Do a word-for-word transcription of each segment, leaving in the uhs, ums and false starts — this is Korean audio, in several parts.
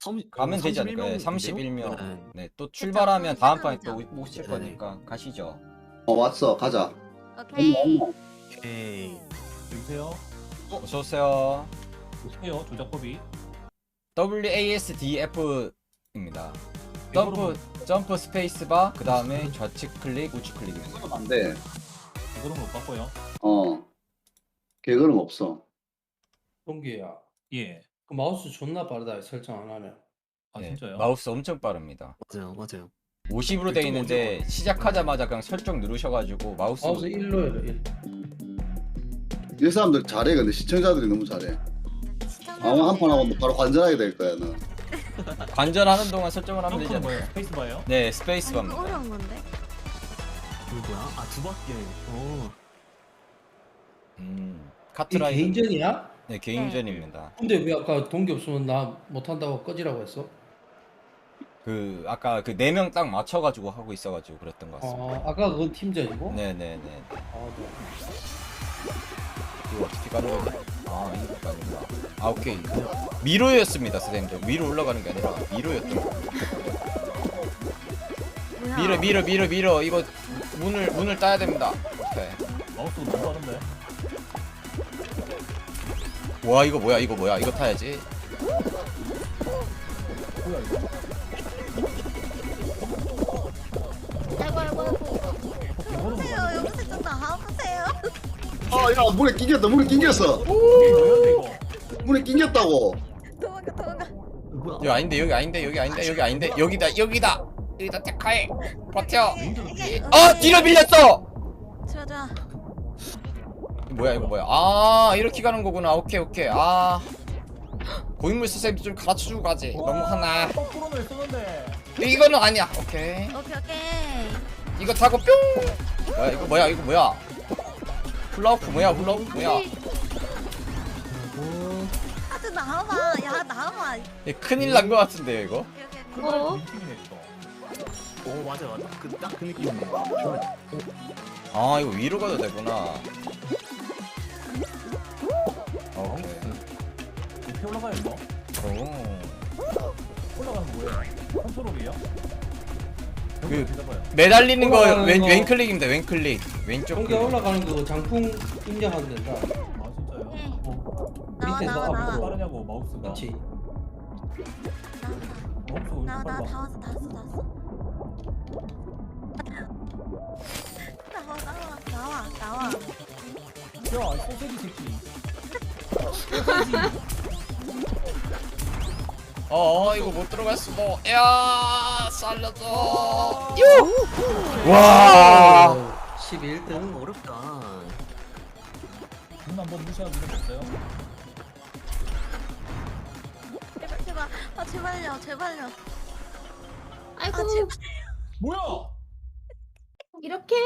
가면 되지 않을까요? 네, 삼십일 명. 네, 또 출발하면 다음 판에 또 오실 네. 거니까 가시죠. 어 왔어 가자. 오케이. 오케이. 여보세요? 어서 오세요. 보세요 조작법이. 더블유에이에스디에프입니다. 점프 점프 스페이스바 그 다음에 좌측 클릭 우측 클릭입니다. 안돼. 이거는 못 바꿔요. 어 개그는 없어. 동기야, 예. 그 마우스 존나 빠르다 설정 안 하면. 아 네, 진짜요? 마우스 엄청 빠릅니다. 맞아요, 맞아요. 오십으로 돼 있는데 시작하자마자 그냥 설정 누르셔가지고 마우스 마우스 일로 해라 일. 이 사람들 잘해 근데 시청자들이 너무 잘해. 아무 한판 하고 뭐 바로 관전하게 될 거야 너. 관전하는 동안 설정을 하면 되지 점프는 않나요? 뭐예요? 스페이스바예요? 네, 이거 스페이스바입니다. 어려운 건데. 이거 뭐야? 아, 두 바퀴. 어. 음, 이 카트라이더. 개인전이야? 네, 개인전입니다. 근데 왜 아까 동기 없으면 나 못한다고 꺼지라고 했어? 그 아까 그 네 명 딱 맞춰가지고 하고 있어가지고 그랬던 것 같습니다. 아, 아까 그건 팀전이고? 네네네. 아, 네. 이거 어떻게 가는 거지? 아, 이거 가는구나. 아, 오케이. 미로였습니다, 선생님들. 위로 올라가는 게 아니라 미로였던 거. 뭐야? 미러, 미러, 미러, 미러. 이거 문을 문을 따야 됩니다. 오케이. 마우스 너무 빠른데? 와, 이거 뭐야? 이거 뭐야? 이거 타야지. 뭐야 이거? 아이고 아이고 아이고. 이거는 보세요. 뭐야? 여기서 좀 나와보세요. 아야 물에 낑겼다 물에 낑겼어. 이게 뭐야 이거? 물에 낑겼다고. 도망가 도망가. 뭐야? 여기 아닌데, 여기 아닌데, 여기 아닌데, 여기 아닌데. 여기다, 여기다. 여기다 택하해. 버텨. 이게 어, 뒤로 밀렸어. 좋아 좋아. 뭐야, 이거 뭐야? 아, 이렇게 가는 거구나. 오케이, 오케이. 아. 고인물 선생님 좀 가르쳐주고 가지. 너무 하나. 거꾸로는 쏘는데. 이거는 아니야. 오케이. 오케이 오케이. 이거 타고 뿅. 뭐야 이거 뭐야 이거 뭐야? 훌라후프 뭐야 훌라후프 뭐야? 아주 나와봐. 야 나와봐. 얘 큰일 난 거 같은데요 이거? 오케이 오케이. 오케이. 어? 팀이네 이거. 오, 맞아, 맞아. 그, 딱 그 느낌이네. 아 이거 위로 가도 되구나. 오케이. 이렇게 올라가요 이거? 오. 올라가는 거 뭐예요? 컨트롤이에요? 그- 잡아요. 매달리는 거 올라가는 왼 거. 왼클릭입니다. 왼클릭. 왼쪽 동기 클릭. 올라가는 거 장풍 입력하면 된다. 아 진짜요? 오케이. 어. 나와 밑에서 나와 앞으로. 나와. 빠르냐고 마우스가. 그렇지. 마우스가 왜 나와 이렇게 나와 빨라? 다 왔어 다 왔어 다 왔어. 나와 나와 나와 나와. 야, 이 소세지 새끼. 어, 어 이거 못 들어갔어. 뭐. 야 살려줘. 유. 와. 십일 등. 너무 어렵다. 눈 한번 무시하고 이런 거 없어요? 제발 제발. 아 제발요 제발요. 아이고 아 제발. 뭐야? 이렇게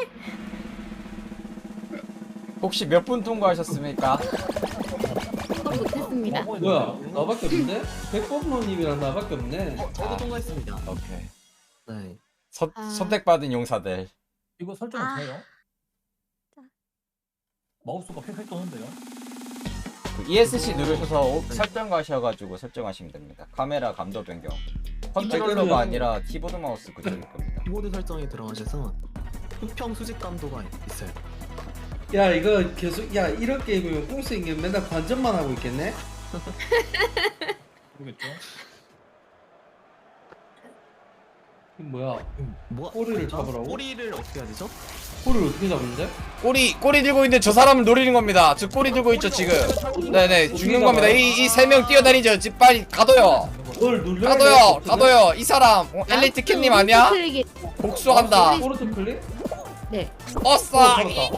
혹시 몇 분 통과하셨습니까? 건 못했습니다. 뭐 뭐야? 했는데요? 나밖에 없네? 백범로님이랑 나밖에 없네. 어, 저도 아. 통과했습니다. 오케이. 네. 선 아. 선택받은 용사들. 이거 설정 아. 어떻게 해요? 마우스가 휙휙 도는데요? 그 이에스씨 누르셔서 오- 설정 가셔가지고 설정하시면 됩니다. 카메라 감도 변경. 컨트롤러가 아니라 키보드 마우스 그대로일 겁니다. 키보드 설정에 들어가셔서 수평 수직 감도가 있어요. 야 이거 계속 야 이런 게임이면 꽁생이 맨날 관전만 하고 있겠네? 모르겠죠? 이거 뭐야? 뭐 꼬리를 잡으라고? 꼬리를 어떻게 해야 되죠? 꼬리를 어떻게 잡는데? 꼬리 꼬리 들고 있는데 저 사람을 노리는 겁니다. 저 꼬리 들고 있죠 지금. 네네 죽는 겁니다. 이 이 세 명 뛰어다니죠. 집 빨리 가둬요. 널 눌러야 가둬요. 돼, 가둬요. 이 사람 어, 엘리트 캣님 아니야? 클릭이 복수한다. 오른쪽 클릭? 네. 어싸. 어, 잡았다.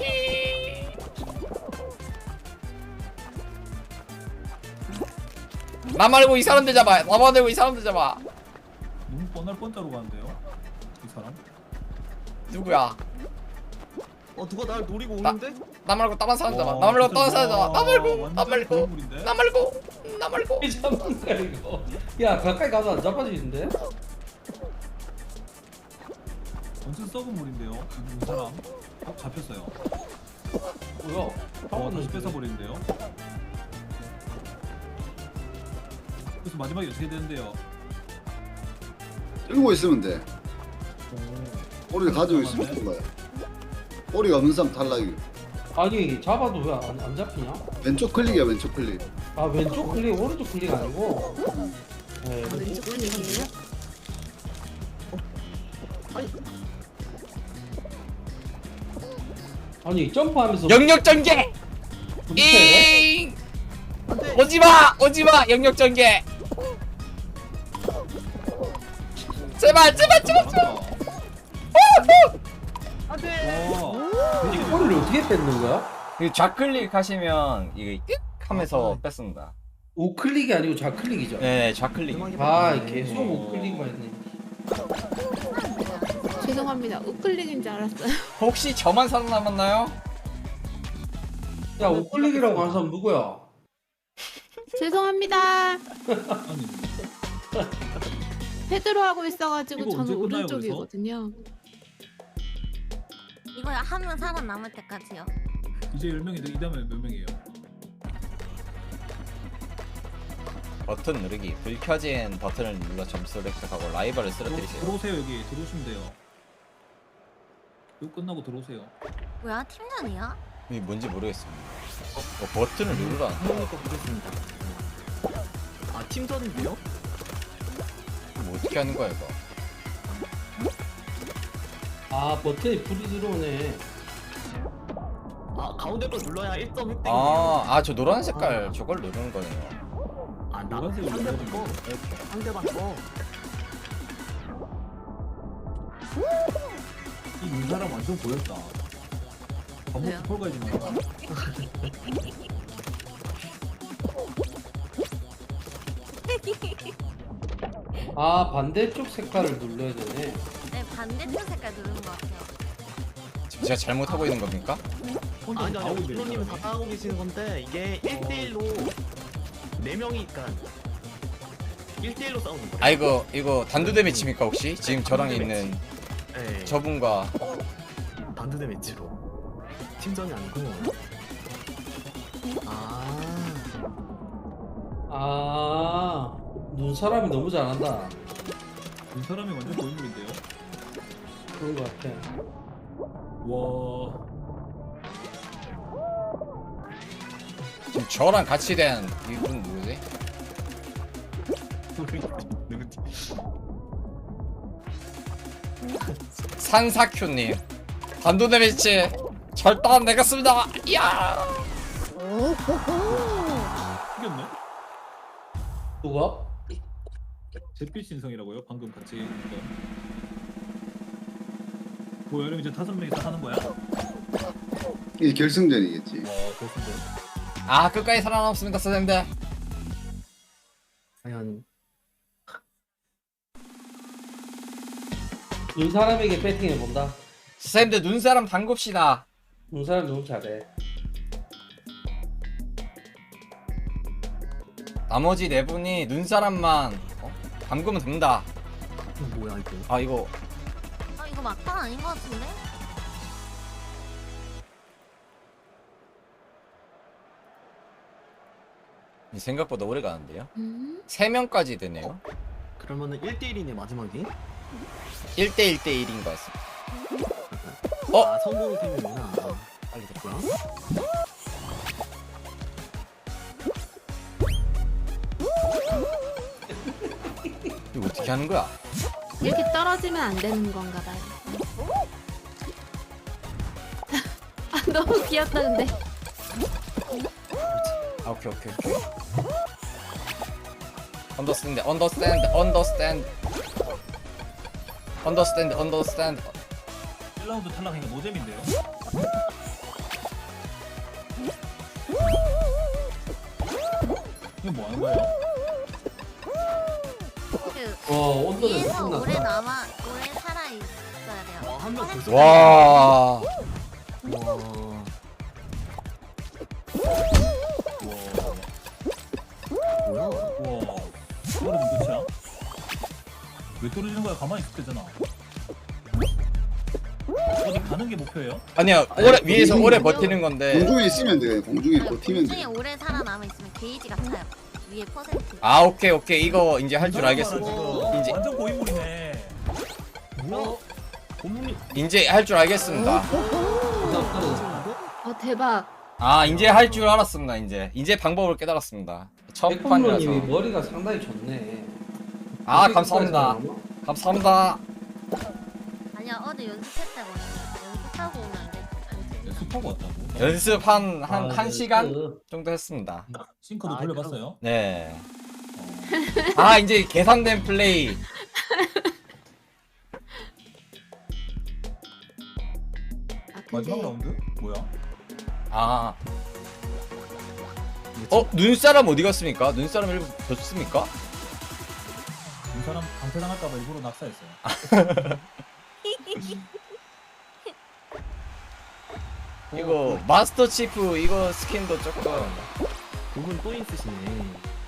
나 말고 이 사람들 잡아. 나 말고 이 사람들 잡아. 눈 뻔할 뻔자로 가는데요? 이 사람? 누구야? 어, 누가 날 노리고 나- 오는데? 나 말고 다른 사람 잡아. 와, 나 말고 진짜 다른 사람 잡아. 나 와, 말고 나 완전 말고 괴물인데? 나 말고 나 말고. 이 잡는 거야 이거. 야 가까이 가서 안 잡아지는데? 완전 썩은 물인데요? 이 사람? 어? 잡혔어요. 뭐야? 어, 다시 뺏어버리는데요? 그래서 마지막에 어떻게 되는데요? 끌고 있으면 돼. 꼬리를 가지고 있으면 되는 거야. 꼬리가 없는 사람 탈락이. 아니 잡아도 왜 안 안 잡히냐? 왼쪽 클릭이야 왼쪽 클릭. 아 왼쪽 클릭 오른쪽 클릭 아니고. 네, 아, 왼쪽 클릭이에요? 아니 점프하면서 영역 전개. 밑에 잉. 오지마 오지마 영역 전개. 제발 제발 제발 제발. 이 꼬리를 어떻게 뺏는 거야? 그 좌클릭 하시면 이게 끽 하면서 뺐습니다. 우클릭이 아니고 좌클릭이죠. 네 좌클릭. 아 계속 우클릭만 했네. 죄송합니다. 우클릭인 줄 알았어요. 혹시 저만 살아남았나요? 야 우클릭이라고 하는 사람 누구야? 죄송합니다. 아니 패드로 하고 있어가지고 이거 저는 언제 끝나요, 오른쪽이거든요. 이거 한 명 살아남을 때까지요. 이제 열 명인데 이 다음에 몇 명이에요? 버튼 누르기. 불 켜진 버튼을 눌러 점수를 획득하고 라이벌을 들어, 쓰러뜨리세요. 들어오세요 여기 들어오시면 돼요. 이거 끝나고 들어오세요. 뭐야 팀전이야? 이게 뭔지 모르겠습니다. 어, 버튼을 누르라. 한번 더 보겠습니다. 아 팀전인데요? 뭐 어떻게 하는 거야 이거? 아 버튼에 불이 들어오네. 아 가운데 거 눌러야 일 점 획득이에요. 아, 아 저 노란 색깔 저걸 누르는 거네요. 아, 나 노란색을 상대방 눌러야 거. 이렇게. 상대방 거. 이 눈사람 완전 보였다. 밥 왜요? 먹고 폴 가야지 마. 아 반대쪽 색깔을 눌러야 되네. 네 반대쪽 색깔 누른 것 같아요. 지금 제가 잘못하고 있는 겁니까? 아니 나오고 아니 있네. 프로님은 다 따라하고 계시는 건데 이게 일 대 일로 네 명이 그러니까 일 대 일로 싸우는 거예요. 아 이거 이거 단두대 매치입니까 혹시? 지금 저랑 단두대 있는 네. 저분과 단두대 매치로 팀전이 아니고. 아. 아 눈사람이 너무 잘한다. 눈사람이 완전 고인물인데요. 그런 것 같아. 와. 지금 저랑 같이 된 이분 누구지? 누구지? 산사큐님 단두대 매치 절단 내겠습니다. 이야. 이겼네? 누가? 잿빛 신성이라고요? 방금 같이 했던. 뭐 여름 이제 다섯 명이서 하는 거야? 와 이게 결승전이겠지. 그렇습니다. 아 끝까지 살아남습니다 선생님들. 과연 눈사람에게 배팅해 본다. 선생님들 눈사람 담굽시다. 눈사람 너무 잘해. 나머지 네 분이 눈사람만 어? 담그면 됩니다. 이거 뭐야 이거? 아 이거 아 이거 막판 아닌 것 같은데? 생각보다 오래 가는데요. 음? 세 명까지 되네요. 그러면은 일 대 일이네 마지막이. 일 대 일 대 일인 것 같습니다. 어? 아 성공 팀이구나. 아, 빨리 됐고요. 이거 어떻게 하는 거야? 이렇게 떨어지면 안 되는 건가 봐요. 아 너무 귀엽다 근데. 아 오케이 오케이 오케이. 언더스탠드 언더스탠드 언더스탠드 언더스탠드 언더스탠드. 일 라운드 탈락하니까 노잼인데요? 이거 뭐 하는 거예요? 그 와 온도는 위에서 오래 끝났다. 남아 오래 살아 있어야 돼요. 와, 한명 벌써. 와. 와. 뭐야? 우와 떨어진 끝이야? 왜 떨어지는 거야? 가만히 있을 때잖아. 어디 가는 게 목표예요? 아니야 오래 위에서 오래 아니요. 버티는 건데. 공중에 있으면 돼. 공중에 아니, 버티면 공중에 돼. 오래 살아남아 있으면 게이지가 차요. 위에 퍼센트. 아 오케이 오케이 이거 이제 할 줄 이 사람 알겠어. 봐라, 지금. 이제 완전 고인물이네. 뭐야? 고문이 이제 할 줄 알겠습니다. 어 대박. 아 이제 할 줄 알았습니다. 이제 이제 방법을 깨달았습니다. 첫 판이라서. 백범로님이 머리가 상당히 좋네. 아 감사합니다. 감사합니다. 아니야 어제 연습했다고 연습하고 오면 안 돼. 연습하고 왔다고. 연습 한 한 한 아, 시간 그- 정도 했습니다. 싱크도 아, 돌려봤어요? 네. 어. 아 이제 계산된 플레이. 아 마지막 근데 라운드? 뭐야? 아. 어 눈사람 어디 갔습니까? 눈사람 일부 줬습니까? 이 사람 강퇴당할까봐 일부러 낙사했어요. 이거 마스터 치프 이거 스킨도 조금 고문 또 있으시네.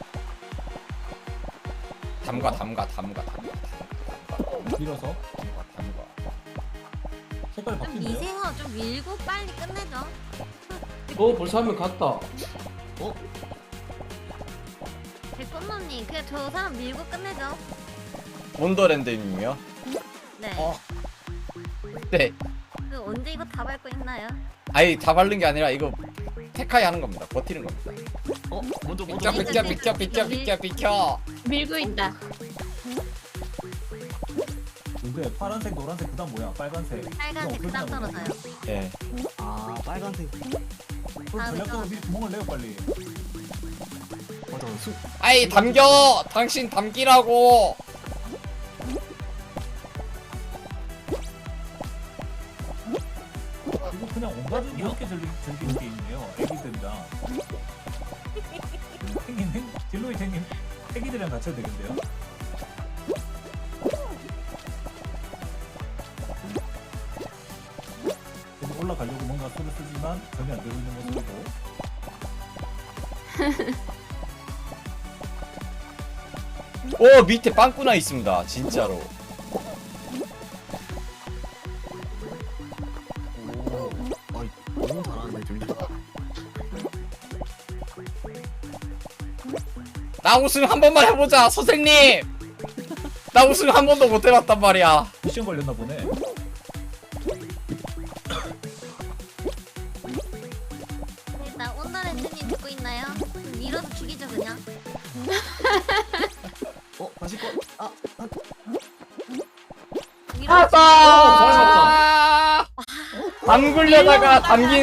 담가 담가 담가 담가 밀어서 담가 담가. 색깔이 좀 바뀐대요. 미세요. 좀 밀고 빨리 끝내죠. 어 벌써 한 명 갔다. 백범놈님 그냥 저 사람 밀고 끝내죠. 원더랜드님이요? 네. 어. 네. 그 언제 이거 다 밟고 있나요? 아니 다 바른 게 아니라 이거 테카이 하는 겁니다. 버티는 겁니다. 어 먼저 비켜 먼저. 비켜 비켜 비켜 비켜 비켜. 밀고 있다. 근데 파란색, 노란색 그다음 뭐야? 빨간색. 빨간색 그거 그다음 어떻게 하는 거야? 떨어져요. 예. 아 빨간색. 그럼 전략적으로 미리 구멍을 내요 빨리. 맞아. 수. 아이 담겨. 당신 담기라고. 이거 그냥 온 가족이 이렇게 즐기, 즐기는 게임이에요. 애기들이랑. 행님, 행, 딜로이 행님, 애기들이랑 같이 해도 되겠는데요? 계속 올라가려고 뭔가 수를 쓰지만 전혀 안 되고 있는 모습이고. 오 밑에 빵꾸나 있습니다. 진짜로. 오. 아이 너무 잘하는데 둘이. 나 우승 한 번만 해보자 선생님. 나 우승 한 번도 못 해봤단 말이야. 미션 걸렸나 보네. 일단 온나렌트님 듣고 있나요? 밀어서 죽이죠 그냥. 어 다시 거. 아. 밀어서 아빠. 안 굴려다가 담긴